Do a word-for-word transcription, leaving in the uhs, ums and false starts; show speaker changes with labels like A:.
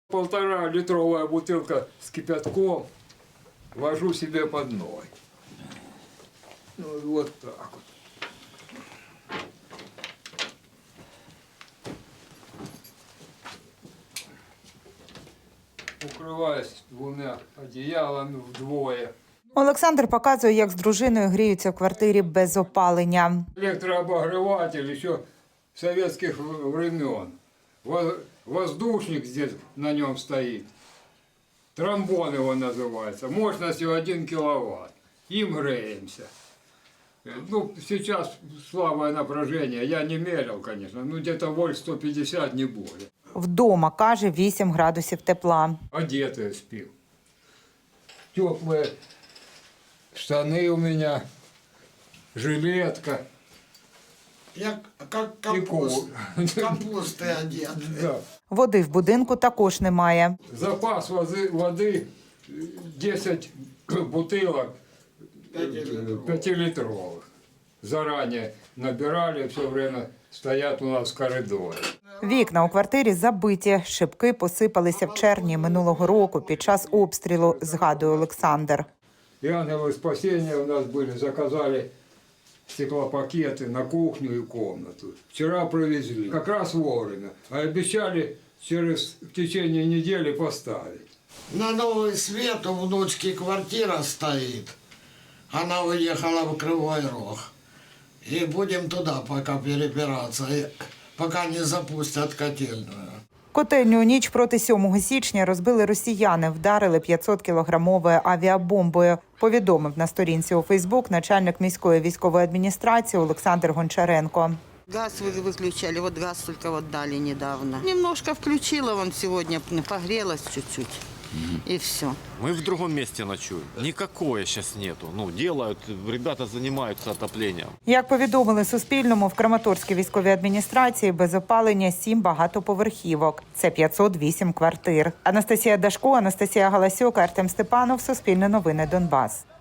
A: Полтора литровая бутылка с кипятком ложу себе под ноги. Ну вот так вот. Укриваюсь двома одіялами вдвоє.
B: Олександр показує, як з дружиною гріються в квартирі без опалення.
A: Электрообогреватель еще советских времен. Воздушник здесь на нем стоит. Тромбон его называется. Мощностью один киловатт. Им греемся. Ну, сейчас слабое напряжение. Я не мерил, конечно. Ну, где-то вольт сто пятьдесят, не более.
B: Вдома, каже, вісім градусів тепла.
A: Одетые спим. Теплые штаны у меня. Жилетка.
C: Я как капуст, капусты одет.
A: Да.
B: Води в будинку також немає.
A: Запас воды, воды десять бутылок пятилитровых. Заранее набирали, все время стоят у нас в коридоре.
B: Вікна у квартирі забиті, шибки посипалися в червні минулого року під час обстрілу, згадує Олександр.
A: И ангелы спасения у нас были, заказали стеклопакеты на кухню и комнату. Вчера привезли, как раз вовремя, а обещали через в течение недели поставить.
C: На новый свет у внучки квартира стоит. Она уехала в Кривой Рог. И будем туда пока перебираться, пока не запустят котельную.
B: Котельню у ніч проти сьомого січня розбили росіяни, вдарили п'ятсоткілограмовою авіабомбою, повідомив на сторінці у Фейсбук начальник міської військової адміністрації Олександр Гончаренко.
D: Газ вы- выключали, вот газ только вот дали недавно. Немножко включила, вон сегодня погрелась чуть-чуть, и все.
E: Мы в другом месте ночуем. Никакое сейчас нету. Ну, делают, ребята занимаются отоплением.
B: Як повідомили Суспільному, в Краматорській військовій адміністрації без опалення сім багатоповерхівок. Це п'ятсот вісім квартир. Анастасія Дашко, Анастасія Галасюк, Артем Степанов, Суспільне новини, Донбас.